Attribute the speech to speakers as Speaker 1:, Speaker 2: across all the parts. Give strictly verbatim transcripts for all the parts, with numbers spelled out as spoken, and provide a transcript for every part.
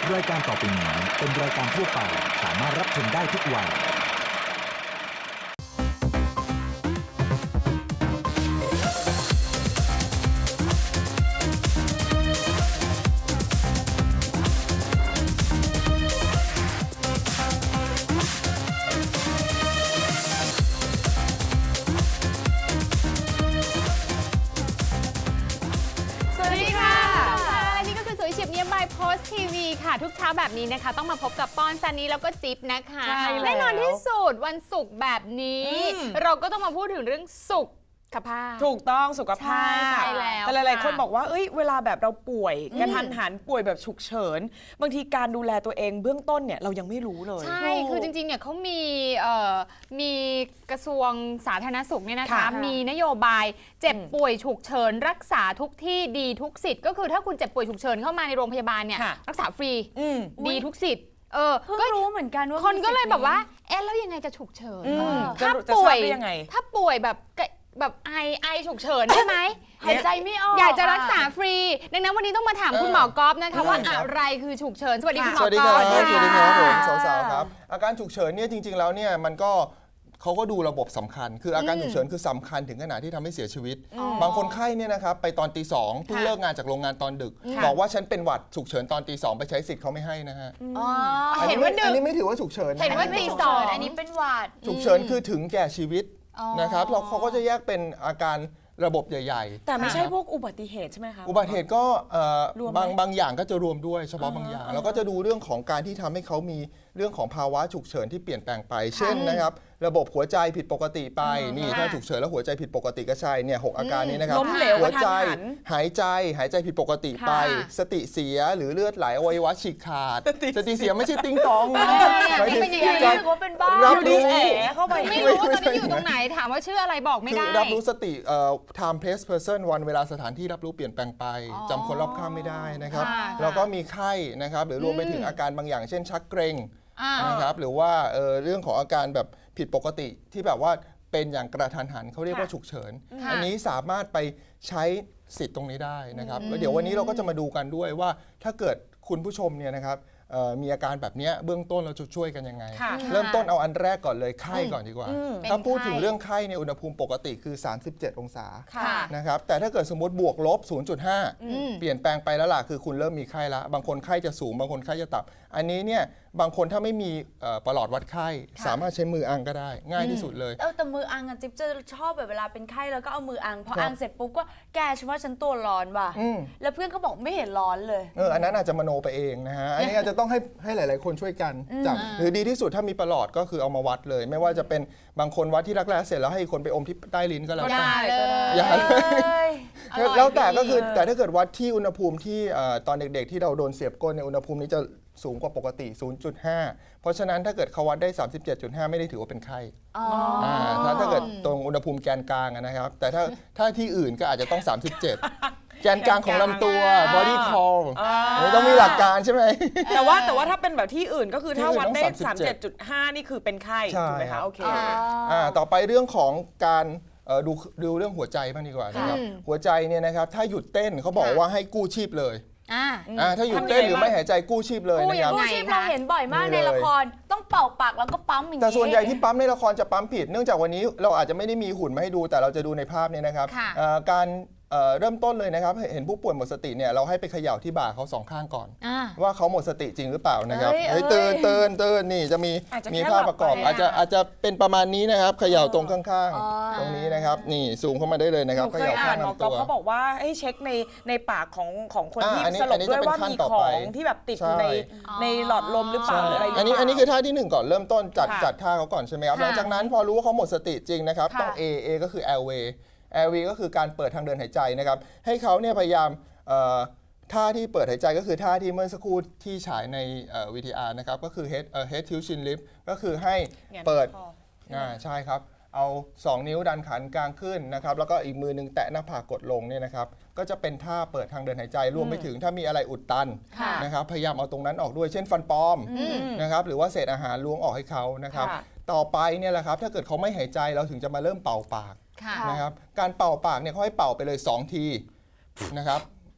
Speaker 1: รายการต่อไปนี้เป็นรายการทั่วไปสามารถรับชมได้ทุกวัย
Speaker 2: โพสทีวีค่ะทุกเช้าแบบนี้นะคะต้องมาพบกับปอนซันนี่แล้วก็จิ๊บนะคะแน่นอนที่สุดวันศุกร์แบบนี้เราก็ต้องมาพูดถึงเรื่องสุขภาพ
Speaker 3: ถูกต้องสุขภาพ
Speaker 2: ใช่แล้ว
Speaker 3: แต่หลายๆคนบอกว่าเอ้ยเวลาแบบเราป่วยกระทันหันป่วยแบบฉุกเฉินบางทีการดูแลตัวเองเบื้องต้นเนี่ยเรายังไม่รู้เลย
Speaker 2: ใช่คือจริงๆเนี่ยเขามีเอ่อมีกระทรวงสาธารณสุขเนี่ยนะคะมีนโยบายเจ็บป่วยฉุกเฉินรักษาทุกที่ดีทุกสิทธิ์ก็คือถ้าคุณเจ็บป่วยฉุกเฉินเข้ามาในโรงพยาบาลเนี่ยรักษาฟรีดีทุกสิทธิ์เออ
Speaker 4: ก็รู้เหมือนกันว่า
Speaker 2: คนก็เลยแบบว่าเอ๊ะแล้วยังไงจะฉุกเฉิน
Speaker 3: ถ้า
Speaker 2: ป่วย
Speaker 3: ยังไง
Speaker 2: ถ้าป่วยแบบแบบไอไอฉุกเฉินได้ไหม
Speaker 4: หายใจไม่ออก
Speaker 2: อยากจะรักษาฟรีดังนั้นวันนี้ต้องมาถามคุณหมอกอล์ฟนะคะว่าอะไรคือฉุกเฉินสวัสดีคุณหมอกอล์ฟ
Speaker 5: สวัสดีครับผมสาวๆครับอาการฉุกเฉินเนี่ยจริงๆแล้วเนี่ยมันก็เขาก็ดูระบบสำคัญคืออาการฉุกเฉินคือสำคัญถึงขนาดที่ทำให้เสียชีวิตบางคนไข้เนี่ยนะครับไปตอนตีสองเพิ่งเลิกงานจากโรงงานตอนดึกบอกว่าฉันเป็นหวัดฉุกเฉินตอนตีสองไปใช้สิทธิ์เขาไม่ให้นะฮะอันนี้อันนี้ไม่ถือว่าฉุกเฉิน
Speaker 2: เห็นว่าตีสอง
Speaker 4: อันนี้เป็นหวัด
Speaker 5: ฉุกเฉินคือถึงแก่ชีวิตนะครับเราเขาก็จะแยกเป็นอาการระบบใหญ่
Speaker 3: ๆแต่ไม่ใช่พวกอุบัติเหตุใช่ไหมคะ
Speaker 5: อุบัติเหตุก็บางบางอย่างก็จะรวมด้วยเฉพาะบางอย่างแล้วก็จะดูเรื่องของการที่ทำให้เขามีเรื่องของภาวะฉุกเฉินที่เปลี่ยนแปลงไปเช่นนะครับระบบหัวใจผิดปกติไปนี่ถ้าฉุกเฉินแล้วหัวใจผิดปกติก็ใช่เนี่ยหกอาการนี้นะครับหัวใจหายใจหายใจผิดปกติไปสติเสียหรือเลือดไหลอวัยวะฉีกขาดสติเสียไม่ใช่ติ้งตองนะ
Speaker 4: หมายถึงรู้ว่าเป็นบ้า
Speaker 5: รับรู้
Speaker 3: เข้าไป
Speaker 2: ไม่รู้ว่าตอนนี้อยู่ตรงไหนถามว่าชื่ออะไรบอกไม่ได้
Speaker 5: รับรู้สติ time place person วันเวลาสถานที่รับรู้เปลี่ยนแปลงไปจำคนรอบข้างไม่ได้นะครับแล้วก็มีไข้นะครับหรือรวมไปถึงอาการบางอย่างเช่นชักเกร็งนะครับหรือว่าเรื่องของอาการแบบผิดปกติที่แบบว่าเป็นอย่างกระทันหันเขาเรียกว่าฉุกเฉินอันนี้สามารถไปใช้สิทธิ์ตรงนี้ได้นะครับแล้วเดี๋ยววันนี้เราก็จะมาดูกันด้วยว่าถ้าเกิดคุณผู้ชมเนี่ยนะครับมีอาการแบบนี้เบื้องต้นเราจะช่วยกันยังไงเริ่มต้นเอาอันแรกก่อนเลยไข้ก่อนดีกว่าถ้าพูดถึงเรื่องไข้ในอุณหภูมิปกติคือสามสิบเจ็ดองศานะครับแต่ถ้าเกิดสมมติบวกลบ ศูนย์จุดห้า เปลี่ยนแปลงไปแล้วล่ะคือคุณเริ่มมีไข้ละบางคนไข้จะสูงบางคนไข้จะต่ำอันนี้เนี่ยบางคนถ้าไม่มีประหลอดวัดไข้สามารถใช้มืออังก็ได้ง่ายที่สุดเลย
Speaker 4: เออแต่มืออังอ่ะจิ๊บจะชอบแบบเวลาเป็นไข้แล้วก็เอามืออังพออังเสร็จปุ๊บก็แกฉันว่าฉันตัวร้อนว่ะแล้วเพื่อนก็บอกไม่เห็นร้อนเลย
Speaker 5: เอออันนั้นอาจจะมโนไปเองนะฮะอันนี้อาจจะต้องให้ให้หลายๆคนช่วยกันจับหรือดีที่สุดถ้ามีประหลอดก็คือเอามาวัดเลยไม่ว่าจะเป็นบางคนวัดที่รักแร้เสร็จแล้วให้คนไปอมที่ใต้ลิ้นก็แล้ว
Speaker 2: กัน
Speaker 5: อย่าเลยแล้วแต่ก็คือแต่ถ้าเกิดวัดที่อุณหภูมิที่ตอนเด็กๆที่เราโดนเสียบก้นในอุณหภูมินี้จะสูงกว่าปกติ ศูนย์จุดห้า เพราะฉะนั้นถ้าเกิดเขาวัดได้ สามสิบเจ็ดจุดห้า ไม่ได้ถือว่าเป็นไข้ถ้าถ้าเกิดตรงอุณหภูมิแกนกลางนะครับแต่ถ้าถ้าที่อื่นก็อาจจะต้อง สามสิบเจ็ด แกนกลางของลำตัว body call ต้องมีหลักการใช่ไหม
Speaker 3: แต่ว่าแต่ว่าถ้าเป็นแบบที่อื่นก็คือถ้าวัดได้ สามสิบเจ็ดจุดห้า นี่คือเป็นไข้ถูกไหมคะโอเค
Speaker 5: ต่อไปเรื่องของการดูดูเรื่องหัวใจบ้างดีกว่านะครับหัวใจเนี่ยนะครับถ้าหยุดเต้นเขาบอกว่าให้กู้ชีพเลยถ้าหยุดเต้นหรือไม่หายใจกู้ชีพเลยนะครับ
Speaker 4: กู้ชีพเราเห็นบ่อยมากในละครต้องเป่าปากแล้วก็ปั๊มอย่างนี้
Speaker 5: แต่ส่วนใหญ่ที่ปั๊มในละครจะปั๊มผิดเนื่องจากวันนี้เราอาจจะไม่ได้มีหุ่นมาให้ดูแต่เราจะดูในภาพนี้นะครับการเริ่มต้นเลยนะครับเห็นผู้ป่วยหมดสติเนี่ยเราให้ไปเขย่าที่บ่าเขาสองข้างก่อนว่าเขาหมดสติจริงหรือเปล่านะครับเฮ้ยตื่นตื่นตื่นนี่จะมีมีภาพประกอบอาจจะอาจจะเป็นประมาณนี้นะครับเขย่าตรงข้างๆตรงนี้นะครับนี่ซูมเข้ามาได้เลยนะครับเขย่าข้างลำตัว
Speaker 3: เขาบอกว่าให้เช็คในในปากของของคนที่สลบด้วยว่ามีของที่แบบติดอยู่ในในหลอดลมหรือเปล่าอะไร
Speaker 5: อันนี้อันนี้คือท่าที่หนึ่งก่อนเริ่มต้นจัดจัดท่าเขาก่อนใช่ไหมครับหลังจากนั้นพอรู้ว่าเขาหมดสติจริงนะครับต้อง A A ก็คือ airway airway ก็คือการเปิดทางเดินหายใจนะครับให้เขาเนี่ยพยายามท่าที่เปิดหายใจก็คือท่าที่เมื่อสักครู่ที่ฉายใน วี ที อาร์ นะครับก็คือ head head tilt chin lift ก็คือให้เปิดใช่ครับเอาสองนิ้วดันขันกลางขึ้นนะครับแล้วก็อีกมือนึงแตะหน้าผากกดลงเนี่ยนะครับก็จะเป็นท่าเปิดทางเดินหายใจรวมไปถึงถ้ามีอะไรอุดตันนะครับพยายามเอาตรงนั้นออกด้วยเช่นฟันปลอมนะครับหรือว่าเศษอาหารล้วงออกให้เขานะครับต่อไปเนี่ยแหละครับถ้าเกิดเขาไม่หายใจเราถึงจะมาเริ่มเป่าปากนะครับการเป่าปากเนี่ยเขาให้เป่าไปเลยสองทีนะครับ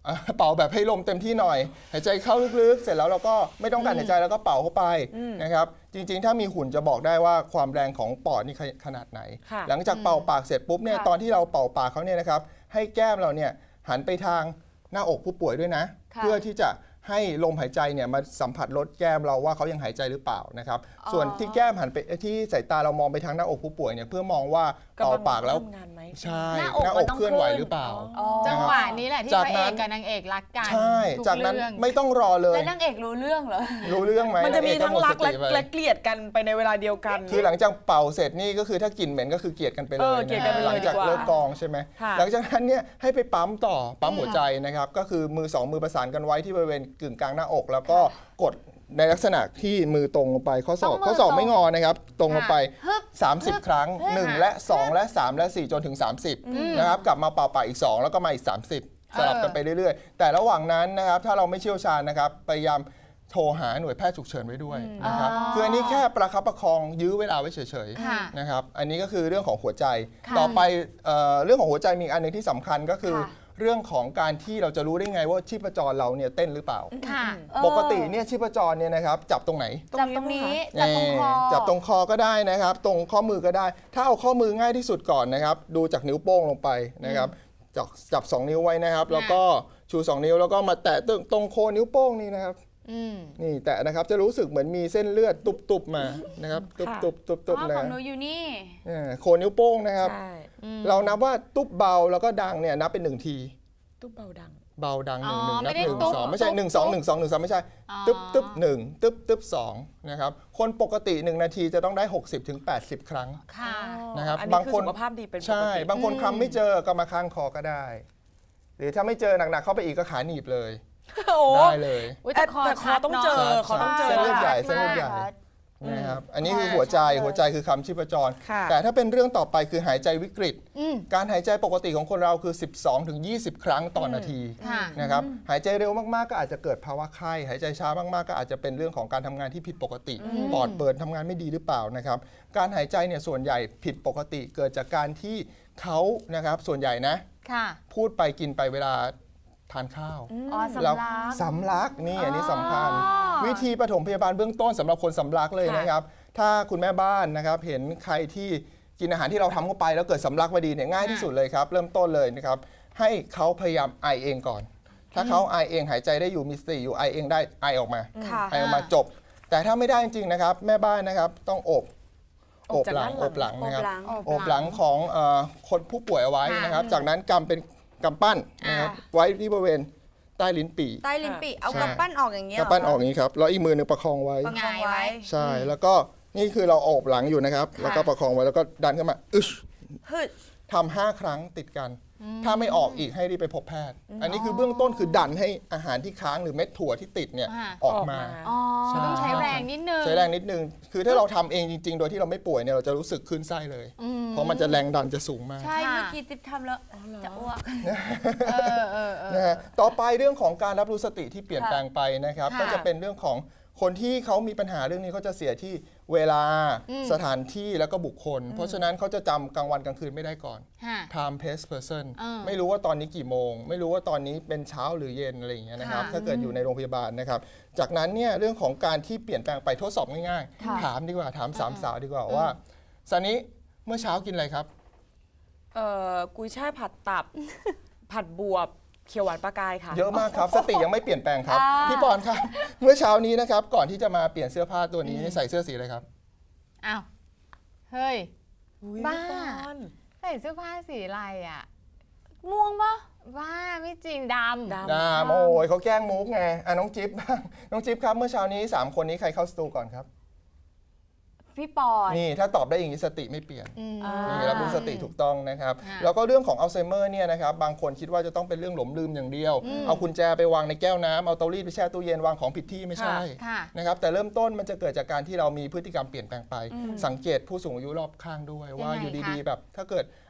Speaker 5: อ่ะเป่าแบบให้ลมเต็มที่หน่อย หายใจเข้าลึกๆ เสร็จแล้วเราก็ไม่ต้องการหายใจแล้วก็เป่าเข้าไปนะครับจริงๆ ถ้ามีหุ่นจะบอกได้ว่าความแรงของปอดนี่ขนาดไหน
Speaker 3: ค่ะ
Speaker 5: หลังจากเป่าปากเสร็จปุ๊บเนี่ย
Speaker 4: ค่ะ
Speaker 5: ตอนที่เราเป่าปากเขาเนี่ยนะครับให้แก้มเราเนี่ยหันไปทางหน้าอกผู้ป่วยด้วยนะ
Speaker 4: ค่ะ
Speaker 5: เพื่อที่จะให้ลมหายใจเนี่ยมาสัมผัสลดแก้มเราว่าเขายังหายใจหรือเปล่านะครับส่วนที่แก้มหันไปที่สายตาเรามองไปทางหน้าอกผู้ป่วยเนี่ยเพื่อมองว่าเป่าปากแล้ว
Speaker 3: ทำงานไหม
Speaker 5: ใช่
Speaker 4: หน้าอกมันต้อง
Speaker 5: เคลื่อนไหว
Speaker 4: ขึ้น
Speaker 5: หรือเปล่า
Speaker 4: อ๋อ
Speaker 2: จังหวะนี้แหละที่
Speaker 5: จาก
Speaker 2: พระเอ
Speaker 5: นั้
Speaker 2: ก
Speaker 5: น
Speaker 2: กับนางเอกรักกัน
Speaker 5: ใช่
Speaker 2: ทุ
Speaker 5: จากนั้น
Speaker 2: เรื่อง
Speaker 5: ไม่ต้องรอเลย
Speaker 4: แล้วนางเอกรู้เรื่องเหรอ
Speaker 5: รู้เรื่องไหม
Speaker 3: มันจะมี
Speaker 5: นางเอ
Speaker 3: ทั้ง
Speaker 5: หด
Speaker 3: รัก
Speaker 5: ส
Speaker 3: และ
Speaker 5: ติไป
Speaker 3: และเกลียดกันไปในเวลาเดียวกัน
Speaker 5: คือหลังจากเป่าเสร็จนี่ก็คือถ้ากลิ่นเหม็นก็คือเกลียดกันไปเล
Speaker 3: เอย อเกลียดกันไปเลย
Speaker 5: หลังจาก
Speaker 3: ดีกว่า
Speaker 5: เลิกกองใช่ไหม
Speaker 3: ค่ะ
Speaker 5: หลังจากนั้นเนี่ยให้ไปปั๊มต่อปั๊มหัวใจนะครับก็คือมือสองมือประสานกันไว้ที่บริเวณกึ่งกลางหน้าอก แล้วก็กดในลักษณะที่มือตรงลงไปข้อศอก
Speaker 4: ต้องมือ
Speaker 5: ข้อศอก
Speaker 4: ตรง
Speaker 5: ไม่งอนะครับตรงลงไป
Speaker 4: ฮึบ
Speaker 5: 30 ครั้ง หนึ่ง และ สอง และ สาม และ สี่ จนถึง สามสิบนะครับกลับมาเป่าปากอีก สอง แล้วก็มาอีก สามสิบ สลับกันไปเรื่อยๆ แต่ระหว่างนั้นนะครับถ้าเราไม่เชี่ยวชาญนะครับพยายามโทรหาหน่วยแพทย์ฉุกเฉินไว้ด้วยนะครับคืออันนี้แค่ประคับประคองยื้อเวลาไว้เฉย
Speaker 2: ค่ะ
Speaker 5: ๆนะครับอันนี้ก็คือเรื่องของหัวใจ
Speaker 4: ค่ะ
Speaker 5: ต่อไปเอ่อเรื่องของหัวใจมีอีกอันหนึงที่สำคัญก็คือ
Speaker 4: ค่ะ
Speaker 5: เรื่องของการที่เราจะรู้ได้ไงว่าชีพจรเราเนี่ยเต้นหรือเปล่า
Speaker 2: ค่ะ
Speaker 4: เออ
Speaker 5: ปกติเนี่ยชีพจรเนี่ยนะครับจับตรงไหน
Speaker 4: จับตรงนี้จับตรงคอ
Speaker 5: เอ่อจับตรงคอก็ได้นะครับ ตรงข้อมือก็ได้ ถ้าเอาข้อมือง่ายที่สุดก่อนนะครับ ดูจากนิ้วโป้งลงไปนะครับจับจับสองนิ้วไว้นะครับ แล้วก็ชูสองนิ้วแล้วก็มาแตะตรงตรงโคนนิ้วโป้งนี่นะครับ
Speaker 2: อืม
Speaker 5: นี่แตะนะครับจะรู้สึกเหมือนมีเส้นเลือดตุบๆมานะครับตุบ
Speaker 3: ค่ะ
Speaker 5: ๆตุบ
Speaker 4: อ๋อ
Speaker 5: ๆนะ
Speaker 4: ของหนูอยู่นี่
Speaker 5: เออโคนนิ้วโป้งนะครับ
Speaker 3: ใช่
Speaker 5: เรานับว่าตุ๊บเบาแล้วก็ดังเนี่ยนับเป็นหนึ่งที
Speaker 3: ตุ๊บเบาดัง
Speaker 5: เบาดังห
Speaker 2: อ๋
Speaker 5: นึ่
Speaker 2: อง
Speaker 5: หนึ่งนับ
Speaker 2: ไม่ได้
Speaker 5: หนึ่ง
Speaker 2: ตุ๊บ
Speaker 5: สองไม่ใช่
Speaker 2: ตุ๊บ
Speaker 5: หนึ่งสอง
Speaker 2: ตุ๊บ
Speaker 5: หนึ่งสองหนึ่งสามไม่ใช่
Speaker 2: อ๋อ
Speaker 5: ตึ๊บตึ๊บหนึ่งตึ๊บตึ๊บสองนะครับคนปกติหนึ่งนาทีจะต้องได้หกสิบถึงแปดสิบครั้ง
Speaker 2: ค่ะ
Speaker 5: นะครับ
Speaker 3: อันนี้
Speaker 5: บาง
Speaker 3: คือ
Speaker 5: คน
Speaker 3: สุขภาพดีเป็นปกติ
Speaker 5: ใช่ บางคนคลำไม่เจอก็มาข้างคอก็ได้ หรือถ้าไม่เจอหนักๆเข้าไปอีกก็ขาหนีบเลย
Speaker 3: โอ้
Speaker 5: ได้เลย
Speaker 2: อุ๊ยแต่คอ
Speaker 3: แต่คอ
Speaker 2: ชัด
Speaker 3: ต้อง
Speaker 2: เนาะ
Speaker 3: เจอ ขต้องเจอ
Speaker 5: เส้นเลือดใหญ่
Speaker 4: ชัด
Speaker 5: เส้นเลือดใหญ่
Speaker 4: มาก
Speaker 5: นะครับอันนี้คือหัวใจ
Speaker 4: ใช่
Speaker 5: หัวใจคือคำชีพจร
Speaker 3: ค่ะ
Speaker 5: แต่ถ้าเป็นเรื่องต่อไปคือหายใจวิกฤต
Speaker 2: อืม
Speaker 5: การหายใจปกติของคนเราคือ สิบสองถึงยี่สิบ ครั้งต่อนาที
Speaker 2: ค่ะ
Speaker 5: นะครับหายใจเร็วมากๆก็อาจจะเกิดภาวะไข้หายใจช้ามากๆก็อาจจะเป็นเรื่องของการทำงานที่ผิดปกติ ปอดเปิดทำงานไม่ดีหรือเปล่านะครับการหายใจเนี่ยส่วนใหญ่ผิดปกติเกิดจากการที่เขานะครับส่วนใหญ่นะ
Speaker 2: ค่ะ
Speaker 5: พูดไปกินไปเวลาทานข้าว
Speaker 4: อ๋อสำ
Speaker 5: แล้ว
Speaker 4: ลัก
Speaker 5: สำลักนี่อันนี้สำคัญ
Speaker 4: อ๋อ
Speaker 5: วิธีปฐมพยาบาลเบื้องต้นสำหรับคนสำลักเลย
Speaker 3: ค่ะ
Speaker 5: นะครับ ถ้าคุณแม่บ้านนะครับเห็นใครที่กินอาหารที่เราทำเข้าไปแล้วเกิดสำลักพอดีเนี่ยง่ายที่สุดเลยครับ เริ่มต้นเลยนะครับ ให้เขาพยายามไอเองก่อน ถ้าเขาไอเองหายใจได้อยู่มีสติอยู่ไอเองได้ไอออกมา
Speaker 4: ค่ะ
Speaker 5: ไอออกมาจบ แต่ถ้าไม่ได้จริงๆนะครับ แม่บ้านนะครับต้องอบ
Speaker 3: อ
Speaker 5: อ
Speaker 3: บบ จาก
Speaker 5: หลัง
Speaker 3: ด้านหลัง
Speaker 5: อบหลังนะครับ
Speaker 4: อบหลัง
Speaker 2: อบหลัง
Speaker 5: โอบหลังของเอ่อคนผู้ป่วยเอาไว้นะครับ จากนั้นกำเป็นกำปั้นนะครับไว้ที่บริเวณใต้ลิ้นปี่
Speaker 4: ใต้ลิ้นปี่เอา
Speaker 5: ใช่
Speaker 4: กำปั้นออกอย่างเงี้ย
Speaker 5: กำปั้นออกอย่างนี้ครับแล้วอีกมือหนึงประคองไว้
Speaker 4: ประคองไว้
Speaker 5: ใช่ แล้วก็นี่คือเราโอบหลังอยู่นะครับ แล้วก็ประคองไว้แล้วก็ดันขึ้นมาอึช
Speaker 4: ฮึด
Speaker 5: ทำห้าครั้งติดกัน ถ้าไม่ออกอีกให้รีบไปพบแพทย์ อันนี้คือเบื้องต้นคือดันให้อาหารที่ค้างหรือเม็ดถั่วที่ติดเนี่ย
Speaker 2: อ่า
Speaker 5: ออกมา
Speaker 4: อ๋อ
Speaker 2: ต้องใช้แรงนิดนึง
Speaker 5: ใช้แรงนิดนึง คือถ้าเราทำเองจริง ๆ โดยที่เราไม่ป่วยเนี่ยเราจะรู้สึกคลื่นไส้เลย เพราะมันจะแรงดันจะสูงมาก
Speaker 4: ใช่
Speaker 2: ค่ะ
Speaker 4: เมื่อกี้ติ๊บทำแล้วจะอ้วก
Speaker 2: เออเออเออ
Speaker 5: นะฮะต่อไปเรื่องของการรับรู้สติที่เปลี่ยนแปลงไปนะครับ
Speaker 2: ค่ะ
Speaker 5: ก็จะเป็นเรื่องของคนที่เขามีปัญหาเรื่องนี้เขาจะเสียที่เวลา
Speaker 2: อืม
Speaker 5: สถานที่แล้วก็บุคคล เพราะฉะนั้นเขาจะจำกลางวันกลางคืนไม่ได้ก่อน
Speaker 2: ค่ะ
Speaker 5: time place person
Speaker 2: เออ
Speaker 5: ไม่รู้ว่าตอนนี้กี่โมง ไม่รู้ว่าตอนนี้เป็นเช้าหรือเย็นอะไรอย่างเงี้ยนะครับ
Speaker 2: ค่ะ
Speaker 5: ถ้าเกิดอยู่ในโรงพยาบาลนะครับ จากนั้นเนี่ยเรื่องของการที่เปลี่ยนแปลงไปทดสอบง่าย
Speaker 4: ค่ะ
Speaker 5: ๆ ถามดีกว่าถามสามสาวดีกว่าว่าซันนี้เมื่อเช้ากินอะไรครับ
Speaker 3: เอ่อกุยช่ายผัดตับ ผัดบวบเขียวหวานปลากายค่ะ
Speaker 5: เยอะมากครับ สติยังไม่เปลี่ยนแปลงครับ
Speaker 4: อ่า
Speaker 5: พี่ปอนครับ เมื่อเช้านี้นะครับ ก่อนที่จะมาเปลี่ยนเสื้อผ้าตัวนี้ใส่เสื้อสีอะไรครับ
Speaker 2: อ้าว เฮ้ย
Speaker 3: อุ๊ย
Speaker 2: บ้า
Speaker 3: พี่ปอน
Speaker 2: ใส่เสื้อผ้าสีอะไรอ่ะ
Speaker 4: ม่วงปะ
Speaker 2: ว่าไม่จริงดำ
Speaker 3: ดำ
Speaker 5: ดามโอ้ยเขาแกล้งมุกไงอ่ะน้องจิ๊บบ้างน้องจิ๊บครับเมื่อเช้านี้สามคนนี้ใครเข้าสตูก่อนครับ
Speaker 4: พี่ปอน
Speaker 5: นี่ถ้าตอบได้อย่างนี้สติไม่เปลี่ยน
Speaker 2: อืม
Speaker 4: อ่า
Speaker 5: นี่รับรู้สติถูกต้องนะครับ
Speaker 2: ค่ะ
Speaker 5: แล้วก็เรื่องของอัลไซเมอร์เนี่ยนะครับบางคนคิดว่าจะต้องเป็นเรื่องหลงลืมอย่างเดียว เอากุญแจไปวางในแก้วน้ำเอาเตารีดไปแช่ตู้เย็นวางของผิดที่ไม่ใช่
Speaker 2: ค่ะ
Speaker 5: นะครับแต่เริ่มต้นมันจะเกิดจากการที่เรามีพฤติกรรมเปลี่ยนแปลงไป สังเกตผู้สูงอายุรอบข้างด้วยว่า
Speaker 2: ยังไง
Speaker 5: อยู่ดี
Speaker 2: คะ
Speaker 5: ๆ แบบถ้าเกิด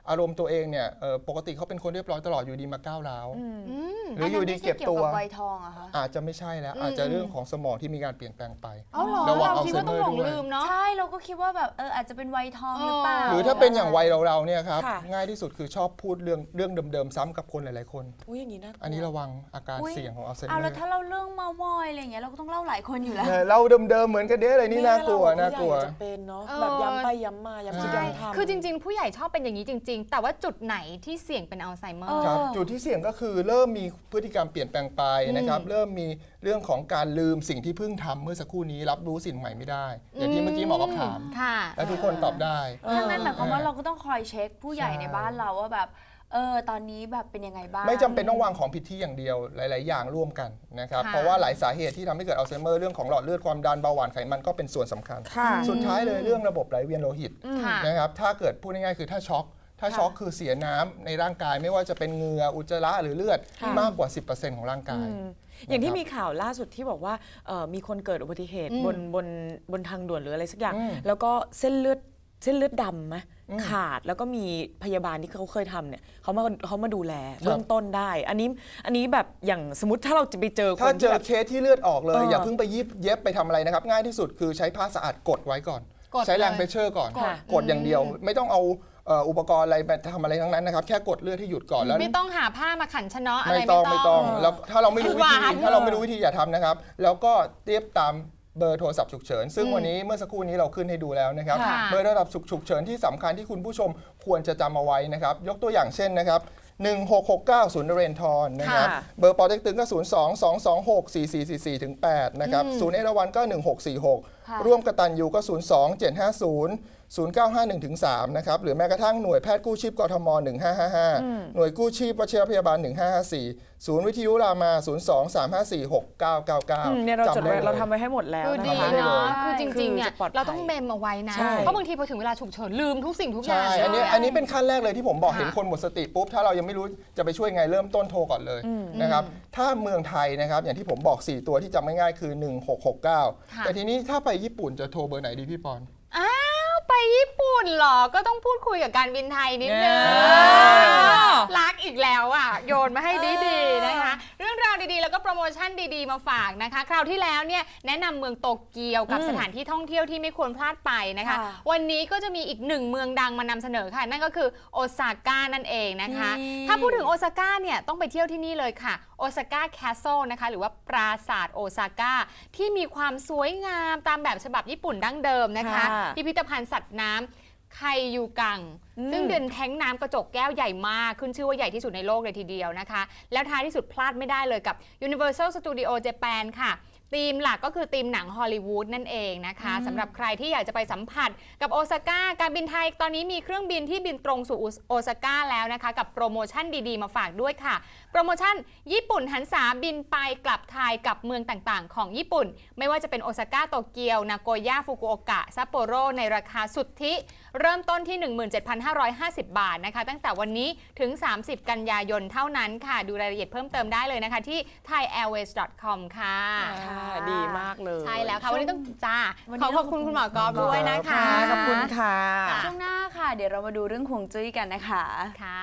Speaker 5: อารมณ์ตัวเองเนี่ยเอ่อปกติเขาเป็นคนเรียบร้อยตลอดอยู่ดีมาก้าวร้าว
Speaker 2: อืม
Speaker 5: หรืออยู่ดีเก็บตัว
Speaker 4: อันนั้นไม่ใช่เกี่ยวกับวัยทองอะคะ
Speaker 5: อาจจะไม่ใช่แล้ว อาจจะเรื่องของสมองที่มีการเปลี่ยนแปลงไป
Speaker 2: เอาเหรอ
Speaker 5: ระวัง
Speaker 2: เราคิดว่าต้องหลง
Speaker 5: Alzheimer ด้วย
Speaker 2: ลืมเนาะ
Speaker 4: ใช่เราก็คิดว่าแบบเอออาจจะเป็นวัยทองหรือเปล่า
Speaker 5: หรือถ้าเป็นอย่างวัยเราๆเนี่ยครับ
Speaker 3: ค่ะ
Speaker 5: ง่ายที่สุดคือชอบพูดเรื่องเรื่องเดิมๆซ้ำกับคนหลายๆคน
Speaker 3: อุ้ยอย่างนี้น่ากลัว
Speaker 5: อันนี้ระวังอาการ
Speaker 4: อุ๊ย
Speaker 5: เสี่ยงของอัลไซเม
Speaker 4: เอา
Speaker 5: อ
Speaker 4: แล้ว
Speaker 5: ร์
Speaker 4: ถ้าเราเรื่องเมามอยอะไรอย่างเงี้ยเราก็ต้องเล่าหลายคนอยู่แล้ว
Speaker 5: เนี่ยเราเดิมๆเหมือนกันเด้เลยนี่น่ากลัว
Speaker 3: แม่เร
Speaker 5: น่ากลัว
Speaker 3: ผู้ใหญ่จะเป็นเนาะ
Speaker 2: เออ
Speaker 3: แบบย้ำไปย้ำมาย้ำคิด
Speaker 5: ใช่
Speaker 3: ย้ำทำ
Speaker 2: คือจริง ๆ ผู้ใหญ่ชอบเป็นอย่างนี้จริง ๆ แต่ว่าจุดไหนที่เสี่ยงเป็นอัลไซเมอร์
Speaker 5: ครับ
Speaker 4: เออ
Speaker 5: จุดที่เสี่ยงก็คือเริ่มมีพฤติกรรมเปลี่ยนแปลงไปนะครับเริ่มมีเรื่องของการลืมสิ่งที่เพิ่งทำเมื่อสักครู่นี้รับรู้สิ่งใหม่ไม่ได้ อย่างที่เมื่อกี้หมอก็ถาม
Speaker 2: ค่ะ
Speaker 5: และทุกคนตอบได้
Speaker 4: ทั้งนั้นหมายความว่า
Speaker 5: เออ
Speaker 4: เราก็ต้องคอยเช็คผู้ใหญ่
Speaker 5: ใช่
Speaker 4: ในบ้านเราว่าแบบเออตอนนี้แบบเป็นยังไงบ้าง
Speaker 5: ไม่จำเป็นต้องวางของผิดที่อย่างเดียวหลาย ๆ อย่างร่วมกันนะครับ
Speaker 2: ค่ะ
Speaker 5: เพราะว่าหลายสาเหตุที่ทำให้เกิดอัลไซเมอร์เรื่องของหลอดเลือดความดันเบาหวานไขมันก็เป็นส่วนสำคัญ
Speaker 3: ค่ะ
Speaker 5: สุดท้ายเลยเรื่องระบบไหลเวียนโลหิต
Speaker 2: ค่ะ
Speaker 5: นะครับถ้าเกิดพูดง่าย ๆ คือถ้าช็อกถ้าช็อกคือเสียน้ำในร่างกายไม่ว่าจะเป็นเหงื่ออุจจาระหรือเลือด
Speaker 3: ค่ะ
Speaker 5: มากกว่า สิบเปอร์เซ็นต์ ของร่างกาย
Speaker 3: อย่างที่มีข่าวล่าสุดที่บอกว่าเอ่อมีคนเกิดอุบัติเหตุ
Speaker 2: อืม
Speaker 3: บนบนบนทางด่วนหรืออะไรสักอย่าง
Speaker 5: อืม
Speaker 3: แล้วก็เส้นเลือดเส้นเลือดดำไหมขาดแล้วก็มีพยาบาลที่เขาเคยทำเนี่ยเขามาเขามาดูแลเบื้องต้นได้ อันนี้อันนี้แบบอย่างสมมติถ้าเราจะไปเจอค
Speaker 5: ถ้าน เจ
Speaker 3: ที่
Speaker 5: อ
Speaker 3: แบบ
Speaker 5: เคสที่เลือดออกเลย
Speaker 3: เออ
Speaker 5: อ
Speaker 3: อ
Speaker 5: ย่าเพิ่งไปยิบเย็บไปทำอะไรนะครับ ง่ายที่สุดคือใช้ผ้าสะอาดกดไว้ก่อน
Speaker 2: กด
Speaker 5: ใช้แรง
Speaker 2: เลย
Speaker 5: เพรสเชอร์ก่อน
Speaker 3: ค่ะ
Speaker 5: กดอย่างเดียว ไม่ต้องเอาเอ่ออุปกรณ์อะไรไปทำอะไรทั้งนั้นนะครับ แค่กดเลือดให้หยุดก่อนแล้ว
Speaker 2: ไม่ต้องหาผ้ามาขันชะเนาะอะไร
Speaker 5: ไม่
Speaker 2: ไม่
Speaker 5: ต้
Speaker 2: ต้
Speaker 5: อ
Speaker 2: อง ง
Speaker 5: ไม่ต้องแล้วถ้าเราไม่รู้วิธี
Speaker 2: หวาน
Speaker 5: ถ้าเราไม่รู้วิธีอย่าทำนะครับ แล้วก็เทียบตามเบอร์โทรศัพท์ฉุกเฉินซึ่งวันนี้เมื่อสักครู่นี้เราขึ้นให้ดูแล้วนะครับ
Speaker 2: ค่ะ
Speaker 5: เบอร์โทรศัพท์ฉุกเฉินที่สำคัญที่คุณผู้ชมควรจะจำเอาไว้นะครับยกตัวอย่างเช่นนะครับหนึ่งหกหกเก้า ศูนย์นเรนทรนะครับ
Speaker 3: ค่ะ
Speaker 5: เบอร์ปอเต็กตึงก็ ศูนย์ สอง สอง สอง หก สี่ สี่ สี่ สี่ถึงแปดนะครับศูนย์เอราวัณก็ หนึ่ง หก สี่ หก
Speaker 4: ค่ะ
Speaker 5: ร่วมกตัญญูก็ ศูนย์ สอง เจ็ด ห้า ศูนย์ ศูนย์ เก้า ห้า หนึ่งถึงสามนะครับหรือแม้กระทั่งหน่วยแพทย์กู้ชีพกทม หนึ่ง ห้า ห้า ห้า หน่วยกู้ชีพวชิรพยาบาล หนึ่ง ห้า ห้า สี่ ศูนย์วิทยุรามา ศูนย์ สอง สาม ห้า สี่ หก เก้า เก้า เก้า
Speaker 3: อืมเนี่ยเราจดไว้
Speaker 5: ลย
Speaker 3: เราทำไว้ให้หมดแล้ว
Speaker 2: คือ
Speaker 3: นะ
Speaker 2: ดี
Speaker 3: คะ
Speaker 2: เนาะ
Speaker 4: ใช่
Speaker 2: คือจริงๆเนี่ย
Speaker 3: คือจะปลอดภัย
Speaker 2: เราต้องเมมเอาไว้นะ
Speaker 3: ใช่
Speaker 2: เพราะบางทีพอถึงเวลาฉุกเฉินลืมทุกสิ่งทุกอย่าง
Speaker 5: ใช่ อันนี้
Speaker 2: เลย
Speaker 5: อันนี้เป็นขั้นแรกเลยที่ผมบอก
Speaker 2: ค่ะ
Speaker 5: เห็นคนหมดสติปุ๊บ ถ้าเรายังไม่รู้จะไปช่วยไงเริ่มต้นโทรก่อนเลยนะครับ ถ้าเมืองไทยนะครับ อย่างที่ผมบอก สี่ ตัวที่จำง่ายๆคือ หนึ่ง หก หก เก้า
Speaker 2: ค่ะ
Speaker 5: แต่ทีนี้ถ้าไปญี่ปุ่นจะโทรเบอร์ไหนดีพี่ปอน
Speaker 2: อ้าวไปญี่ปุ่นเหรอ ก็ต้องพูดคุยกับการบินไทยนิดนึง
Speaker 3: เออ
Speaker 2: รักอีกแล้วอ่ะ โยนมาให้ดีๆนะคะ เรื่องราวดีๆ แล้วก็โปรโมชั่นดีๆ มาฝากนะคะ คราวที่แล้วเนี่ยแนะนำเมืองโตเกียวกับสถานที่ท่องเที่ยวที่ไม่ควรพลาดไปนะคะ
Speaker 4: ค่ะ
Speaker 2: วันนี้ก็จะมีอีกหนึ่งเมืองดังมานำเสนอค่ะ นั่นก็คือโอซาก้านั่นเองนะคะ
Speaker 4: นี่
Speaker 2: ถ้าพูดถึงโอซาก้าเนี่ยต้องไปเที่ยวที่นี่เลยค่ะโอซาก้าแคสเซิลนะคะหรือว่าปราสาทโอซาก้าที่มีความสวยงามตามแบบฉบับญี่ปุ่นดั้งเดิมนะคะ
Speaker 3: ค่ะ
Speaker 2: พิพิธภัณฑ์สัตว์น้ำไคยูกัง ซึ่งเป็นแท้งน้ำกระจกแก้วใหญ่มาก ขึ้นชื่อว่าใหญ่ที่สุดในโลกเลยทีเดียวนะคะ แล้วท้ายที่สุดพลาดไม่ได้เลยกับ Universal Studio Japan ค่ะธีมหลักก็คือธีมหนังฮอลลีวูดนั่นเองนะคะสำหรับใครที่อยากจะไปสัมผัสกับโอซาก้าการบินไทยตอนนี้มีเครื่องบินที่บินตรงสู่โอซาก้าแล้วนะคะกับโปรโมชั่นดีๆมาฝากด้วยค่ะ โปรโมชั่นญี่ปุ่นหันษาบินไปกลับไทยกับเมืองต่างๆ ของญี่ปุ่น ไม่ว่าจะเป็นโอซาก้าโตเกียวนาโกย่าฟุกุโอกะซัปโปโรในราคาสุทธิเริ่มต้นที่ หนึ่งหมื่นเจ็ดพันห้าร้อยห้าสิบ บาทนะคะตั้งแต่วันนี้ถึง สามสิบ กันยายนเท่านั้นค่ะ ดูรายละเอียดเพิ่มเติมได้เลยนะคะที่ ไทยแอร์เวย์ ดอท คอม ค่ะ
Speaker 3: ค่ะดีมากเลย
Speaker 2: ใช่แล้วค่ะ วันนี้ต้องจ้า
Speaker 4: วัน
Speaker 2: ข
Speaker 4: นี้
Speaker 2: อขอบคุณคุณหมอกอฟด้วยนะคะ
Speaker 3: ค่ะขอบคุณค่ะ
Speaker 4: ช่วงหน้าค่ะ เดี๋ยวเรามาดูเรื่องฮวงจุ้ยกันนะคะ
Speaker 2: ค่ะ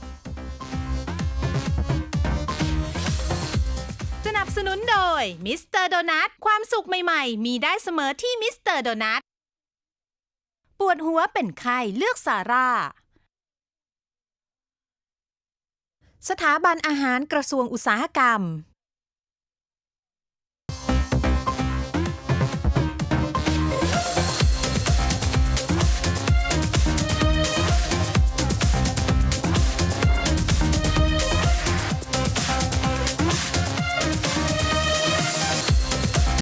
Speaker 6: สนับสนุนโดยมิสเตอร์โดนัทความสุขใหม่ๆ มีได้เสมอที่มิสเตอร์โดนัทปวดหัวเป็นไข้เลือกซาร่า สถาบันอาหารกระทรวงอุตสาหกรรม